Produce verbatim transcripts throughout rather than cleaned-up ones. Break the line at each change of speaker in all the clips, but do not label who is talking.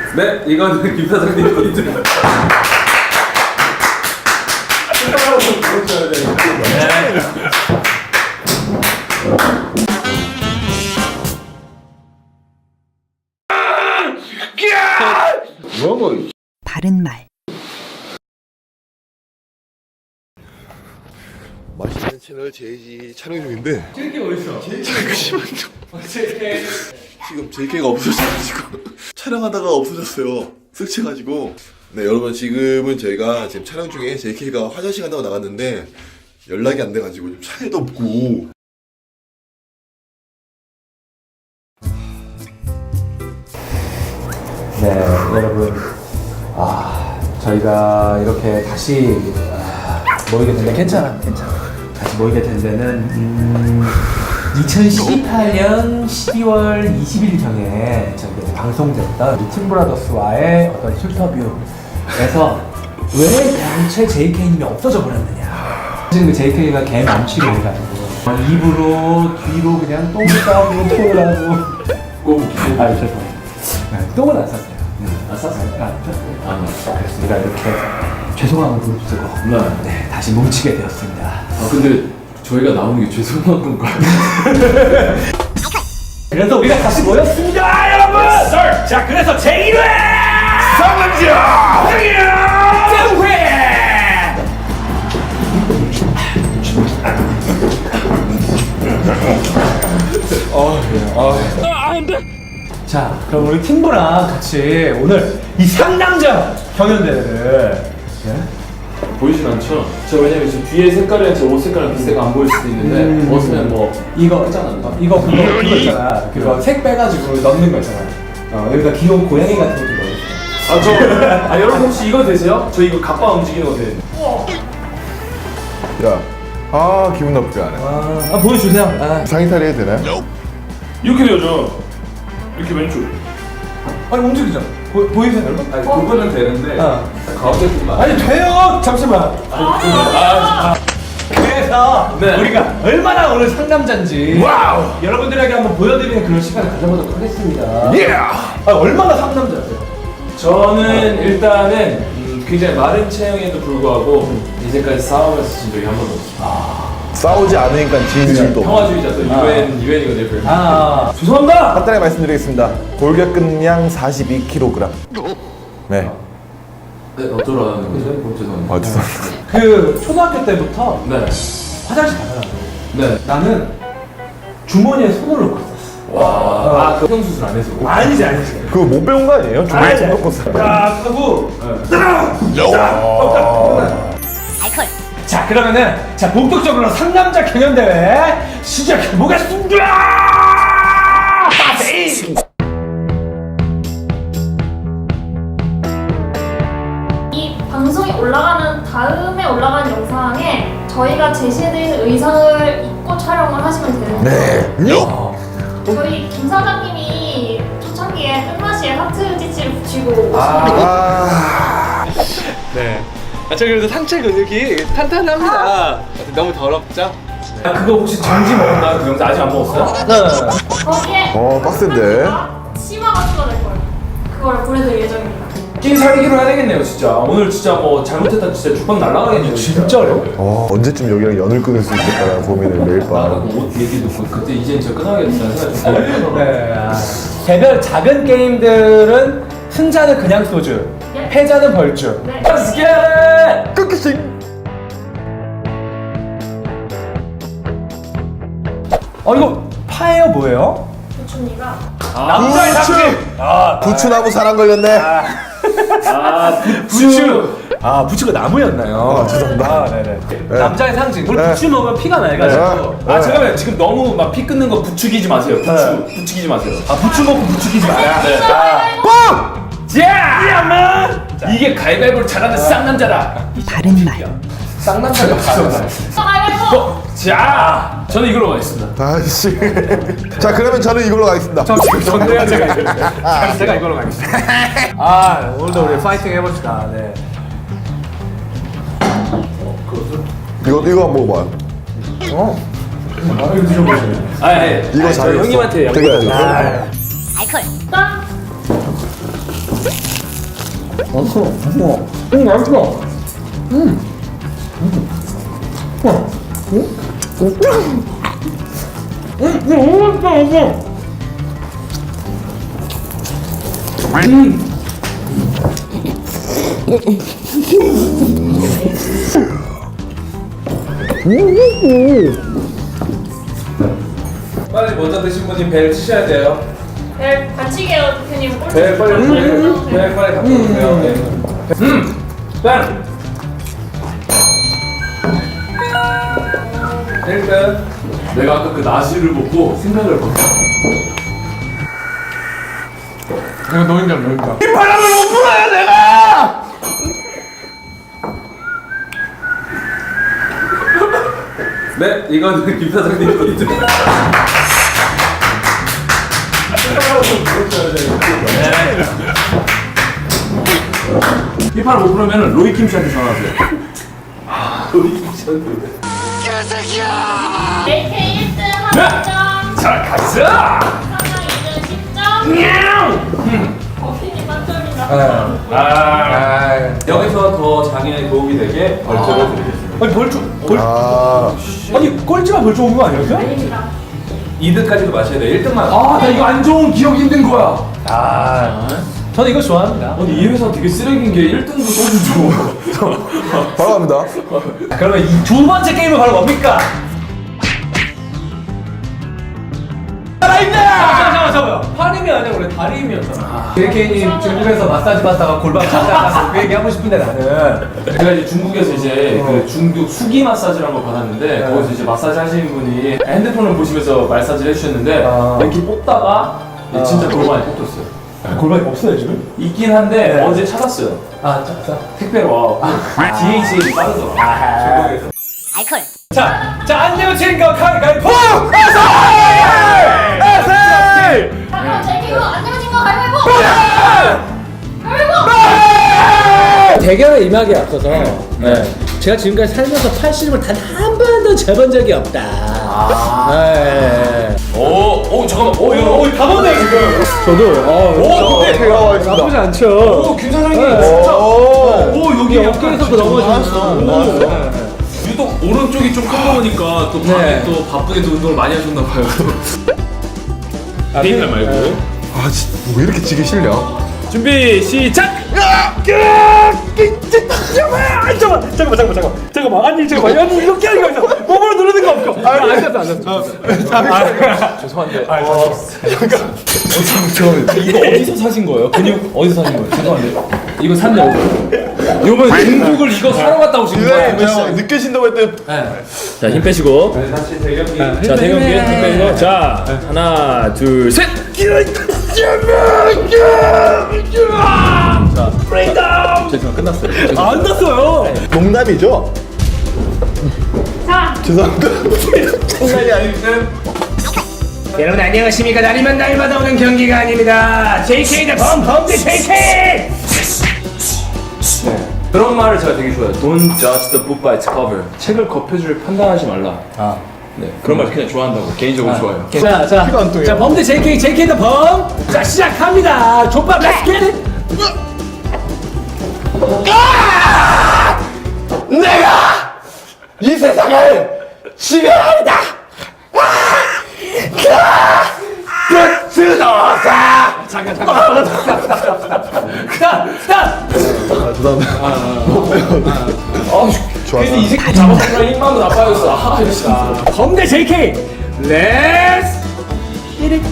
네, 이거는 김 사장님 포인트입니다.
뭐
바른 말.
맛있는 채널 제이지 촬영 중인데
제이케이 어딨어?
제이케이 지금 제이케이가 없어져가지고 촬영하다가 없어졌어요. 쓱채가지고. 네 여러분 지금은 저희가 지금 촬영 중에 제이케이가 화장실 간다고 나갔는데 연락이 안 돼가지고 좀 차에도 없고.
네, 여러분, 아 저희가 이렇게 다시 아, 모이게 된 데 괜찮아, 괜찮아. 다시 모이게 된 데는 음, 이천십팔 년 십이월 이십일경에 저희가 방송됐던 우리 팀브라더스와의 어떤 인터뷰에서 왜 대체 제이케이님이 없어져 버렸느냐. 사실 그 제이케이가 개 남치를 해가지고 입으로 뒤로 그냥 똥을 싸고 토를 하고 꼭 아, 죄송해요. 네, 똥은 안 쌌어요. 안 쌌어요? 안 쌌어요. 아, 그래서 우리가 이렇게 죄송함을 부르고
네.
네, 다시 뭉치게 되었습니다.
아 근데 저희가 나오는 게 죄송한 건가요?
그래서 우리가 다시 모였습니다, 여러분! 자, 그래서 제일 회! 상남자! 제일 회! 어, 어. 아, 안 돼! 자, 그럼 우리 팀부랑 같이 오늘 이 상남자 경연대회를 네?
보이진 않죠? 저 왜냐면 지금 뒤에 색깔이랑 제 옷 색깔이랑 비슷해가 안 보일 수도 있는데
음.
벗으면 뭐
이거
하잖아.
어, 이거 그거 그거 있잖아. 그거 색 빼가지고 넣는 거 있잖아. 어, 여기다 귀여운 고양이 같은 것도 넣어있어.
아 저, 아 여러분 혹시 이거 되세요? 저 이거 갑바 움직이는 거 돼.
야, 아 기분 나쁘지 않아.
아, 아 보여주세요. 아.
상의탈이 해도 되나요?
이렇게 되죠. 이렇게 왼쪽.
아니 움직이죠. 보, 보이세요 여러분?
아니 그거는 되는데
어.
가운데 분만.
아니 돼요. 잠시만. 아, 그래서
네.
우리가 얼마나 오늘 상남자인지 와우. 여러분들에게 한번 보여드리는 그런 시간을 가져보도록 하겠습니다.
예!
아, 얼마나 상남자세요?
저는 일단은 음, 굉장히 마른 체형에도 불구하고 이제까지 싸우면서 진 적이 한 번도 없어요.
싸우지 않으니까 지는 일도 없고.
평화주의자 또 유엔 유엔이거든요.
아,
죄송합니다.
간단하게 말씀드리겠습니다. 골격근량 사십이 킬로그램. 네.
네 어쩌라는 거죠? 어, 죄송합니다.
아 죄송합니다.
그 초등학교 때부터
네.
화장실 가더라고.
네.
나는 주머니에 손을 넣고 있었어.
와. 아, 그 성수술 안 해서.
아니지, 아니지.
그거 못 배운 거 아니에요? 주머니 손 넣고 써.
딱 하고,
알콜.
자, 그러면은, 자, 본격적으로 상남자 경연대회 시작해보겠습니다! 빠세이!
이 방송이 올라가는 다음에 올라가는 영상에 저희가 제시해드린 의상을 입고 촬영을 하시면 되는데
네.
저희 김 사장님이 초창기에 끝맛이에 하트 지치를 붙이고 오시는
아.
네. 아, 저 그래도 상체 근육이 탄탄합니다. 너무 더럽죠?
아, 그거 혹시 정지 먹었나요? 그 영상 아직 안 먹었어요? 네.
거기에
어, 빡센데.
치마가 추가될 거예요. 그거를 보내드릴 예정입니다.
끼 살기로 해야 되겠네요, 진짜. 오늘 진짜 뭐 잘못했다 진짜 죽방 날라가겠네요.
진짜 어려워요.
어, 언제쯤 여기랑 연을 끊을 수 있을까라는 고민을 매일 밤.
나는 옷 얘기 듣고 그때 이제 저 끊어야겠다는 생각이 좀 들더라고요.
네. 아, 개별 작은 게임들은 승자는 그냥 소주,
예.
패자는 벌주.
네.
Let's get it!
끝끝이.
어, 이거 파예요, 뭐예요?
부춘이가
남자의 상징! 아,
부추나무 사랑 걸렸네.
아,
부추! 아, 부추가 나무였나요?
아, 죄송합니다.
아, 네네. 남자의 상징. 우리
네.
부추 먹으면 피가 맑아지고.
네.
아 잠깐만요. 지금 너무 막 피 끊는 거 부추기지 마세요. 부추 부추기지 마세요.
아, 부추 먹고 부추기지 마라.
네. 자, 야만 이게 가위바위보를 잘하는 쌍남자다.
바른 말.
쌍남자가 바로
가위바위보!
자, 저는 이걸로 가겠습니다.
아씨. 자 그러면 저는 이걸로 가겠습니다.
저 지금 전데요, 제가 이걸로. 아, 제가 이걸로 가겠습니다. 아, 오늘도 우리 파이팅 해봅시다. 네.
이거 이거 한번 먹어봐요.
어.
아, 예.
이거
아니, 저
잘했어.
형님한테
되게
양보해요.
잘했어.
알콜.
짠!
음, 맛있어. 음. 음. 음. 음, 너무 맛있어. 음.
빨리 먼저 드신 분이 벨 치셔야 돼요.
벨 받치게요, 대표님.
벨 빨리 벨, 벨 빨리 갖고 오세요. 네. 음, 짠. 일단 내가 아까 그 나시를 보고 생각을 해봤어.
내가 너인가 너인가.
이 바람을 못 불어야 내가. 네, 이거는 김 사장님 포인트. 이 바람 못 불으면 로이 김 씨한테 전화하세요. 로이 김 씨한테.
제이케이 일 등 한 점,
자, 가자.
사장 이 등 십 점, 어피니 만점이다.
아,
아,
여기서 더 장애에 도움이 되게 벌점을 드리겠습니다.
아니 벌초 벌
아,
아니 꼴찌만 벌초 온 거 아니었어요?
아닙니다.
이 등까지도 마셔야 돼. 일 등만.
아, 나 이거 안 좋은 기억이 있는 거야. 아, 저는 이거 좋아합니다.
아니 이 회사 되게 쓰레기인 게 일 등도 소주 줘.
바로 갑니다.
그러면 이 두 번째 게임은 바로 뭡니까? 살아있네! 잠깐만, 잠깐만, 잠깐만. 팔힘이 아니라 원래 다리힘이었잖아. 제이케이님 중국에서 마사지 받다가 골반 찾아가서 그 얘기 하고 싶은데 나는.
제가 이제 중국에서 이제 그 중국 수기 마사지라는 걸 받았는데 거기서 이제 마사지 하시는 분이 핸드폰을 보시면서 마사지를 해주셨는데
아.
이렇게 뽑다가
아.
진짜 골반이 뽑혔어요.
골반이 없어요, 지금?
있긴 한데
네.
어제 찾았어요.
아, 자, 자.
택배로 와. 디에이치엘이 빠르더라. 중국에서.
알콜.
자, 자, 안 되면 지금까 가위가위보!
자, 그럼 제이케이로 안 되면 진거 가위바위보! 가위바위보!
대결에 임하기에 앞서서 네. 제가 지금까지 살면서 팔씨름을 단 한 번도 재본 적이 없다. 네.
오, 오 잠깐만. 오, 이거 오,
다 보네, 지금.
저도 어,
오, 근데
나쁘지 않죠.
오, 김 사장님 진짜. 오, 여기
이게
약간
어깨에서도 넘어지셨어.
오. 유독 오른쪽이 좀 큰 거 보니까 또 밤에
네.
또 바쁘게 또 운동을 많이 하셨나 봐요.
게임
말고.
아, 진짜 왜 이렇게 지기 싫냐?
준비 시작. 잠깐만, 잠깐만, 잠깐만, 잠깐만, 잠깐만. 아니 잠깐만, 아니 이렇게 하는 거 있어. 몸으로 누르는 거 없고. 아, 안 됐어, 안 됐어.
죄송한데.
아,
어,
이거 어디서 사신 거예요? 근육 어디서 사신 거예요?
죄송한데. 이거 샀냐 오늘? 요번 중국을 이거 사러 갔다 오신 거예요?
그냥 늦게 쉰다고 했더니
자, 힘 빼시고.
네, 다시 대경기.
자, 대경기 힘 빼시고. 자, 하나, 둘, 셋. 자, 브레이크다운.
죄송 끝났어요.
안 났어요.
농담이죠?
자,
죄송합니다.
장난이 아닌데.
여러분 안녕하십니까? 날이면 날마다 오는 경기가 아닙니다. 제이케이 대 범범 대 제이케이.
그런 말을 제가 되게 좋아해요. Don't judge the book by its cover. 책을 겉표지를 판단하지 말라.
아.
네, 그런 말 그냥 좋아한다고 개인적으로 좋아해요.
자, 자,
피가 안 통해요.
자, 범 대 제이케이, 제이케이 대 범. 자, 시작합니다. 족밥 렛츠 겟 잇.
내가 이 세상을 지배한다. 스노사.
잠깐, 잠깐. 스탑, 스탑.
아, 죄송합니다.
아, 괜히 이 새끼 잡아먹으면 힘만도 나빠졌어. 아, 진짜.
범 대 제이케이. 렛츠 겟 잇.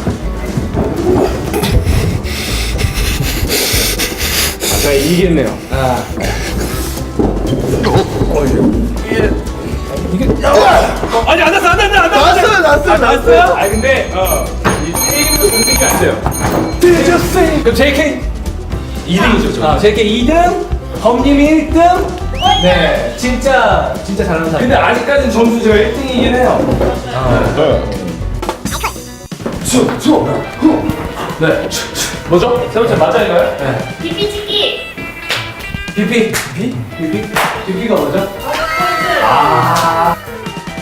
자, 이기겠네요. 아. 어, 아니 안 났어, 안 났어, 안 났어.
났어요, 났어요, 났어요.
아 근데 어.
이 게임도 움직이면 안 돼요.
그럼 제이케이
이 등이죠, 저.
아, 제이케이 이 등, 범님이 일 등. 네, 진짜 진짜 잘하는 사람.
근데 아직까지는 점수 제가 일 등이긴 해요. 수, 수, 후. 네. 뭐죠? 세 번째 맞아인가요? 네.
비비치기!
비피. 비? 비피? 비피가 뭐죠?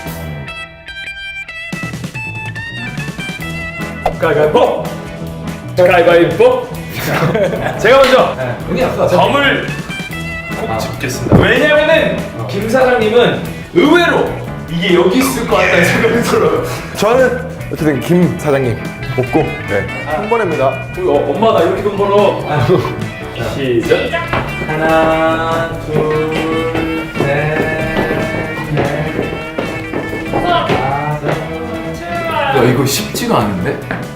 가가보.
가위바위보. 제가 먼저
여기 아까
점을 꼭 집겠습니다. 왜냐면은 김 사장님은 의외로 이게 여기 있을 것 같다는 생각이 들어요.
저는 어쨌든 김 사장님 없고 네. 한 번입니다.
우리 어, 엄마가 이렇게 돈 벌어. 시작.
하나, 둘, 셋, 넷,
야 이거 쉽지가 않은데?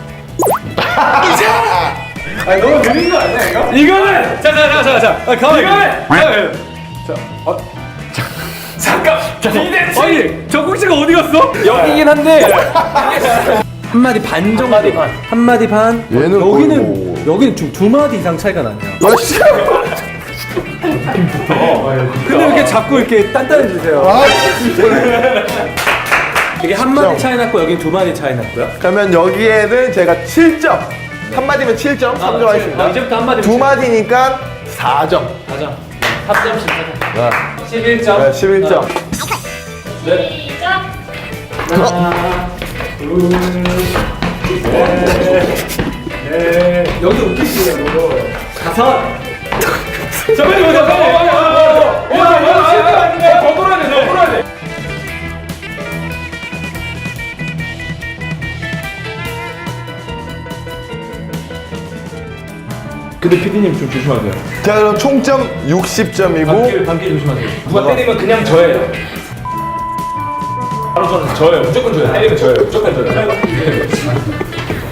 아니 너무 느린 거 아니야 이거?
이거는
자자자자자 아, 가만히
이거는 잠깐 비대칭.
아니 적국씨가 어디 갔어?
여기긴 한데
한 마디 반 정도.
마디 반.
한 마디 반.
얘는
여기는
거의
여기는 좀 두 마디 이상 차이가 나네요.
아 진짜.
근데 이렇게 자꾸 이렇게 단단해지세요.
아 진짜.
이게 한 마디 차이 났고 여기 두 마디 차이 났고요.
그러면 여기에는 제가 칠 점. 한 마디면 칠 점, 삼 점 하겠습니다.
이제부터 한 마디.
두 마디니까 사 점.
가자. 삼 점씩 하자.
네.
십일 점.
네, 십일 점.
네.
시작.
하나, 둘, 셋,
여기 웃기시네 뭐.
다섯. 잠깐만요, 잠깐만요. 어, 야, 더 돌아야 돼, 더 돌아야 돼. 근데 피디님 좀 조심하세요.
자 그럼 총점 육십 점이고
감기, 감기 조심하세요. 누가 때리면 그냥 저예요. 바로 저는 저예요. 무조건 저예요. 때리면 저예요. 무조건 저예요.